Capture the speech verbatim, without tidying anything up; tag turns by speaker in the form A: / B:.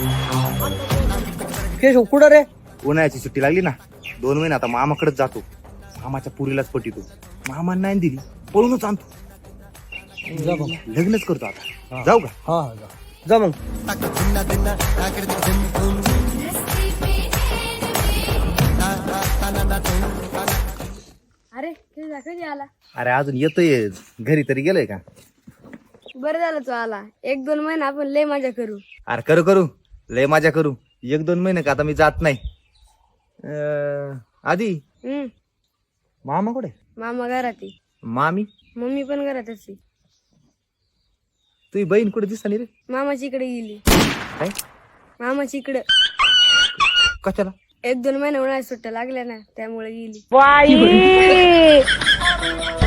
A: केशव कुठं रे?
B: उन्हाळ्याची सुट्टी लागली ना, दोन महिने आता मामाकडेच जातो. मामाच्या पुरीलाच पटितो. मामा नाही दिली पळूनच आणतो.
A: जा मग.
B: लग्नच करतो आता. जाऊ का?
A: हा हा जा. जा मग.
C: अरे तुझा कधी आला?
B: अरे अजून येतोय, घरी तरी गेलोय का?
C: बरं झालं तू आला. एक दोन महिना आपण लय मजा करू.
B: अरे करू करू, लय मजा करू. एक दोन महिने का आता मी जात नाही. अं, आधी
C: हम्म
B: मामा कुठे?
C: मामा घरात आहे.
B: मामी?
C: मम्मी पण घरात असते.
B: तुझी बहीण कुठे दिसता नाही रे?
C: मामाची इकडे गेली.
B: काय?
C: मामाची इकडे
B: कशाला?
C: एक दोन महिना उन्हाळ्यात सुट्ट्या लागल्या ना, त्यामुळे गेली.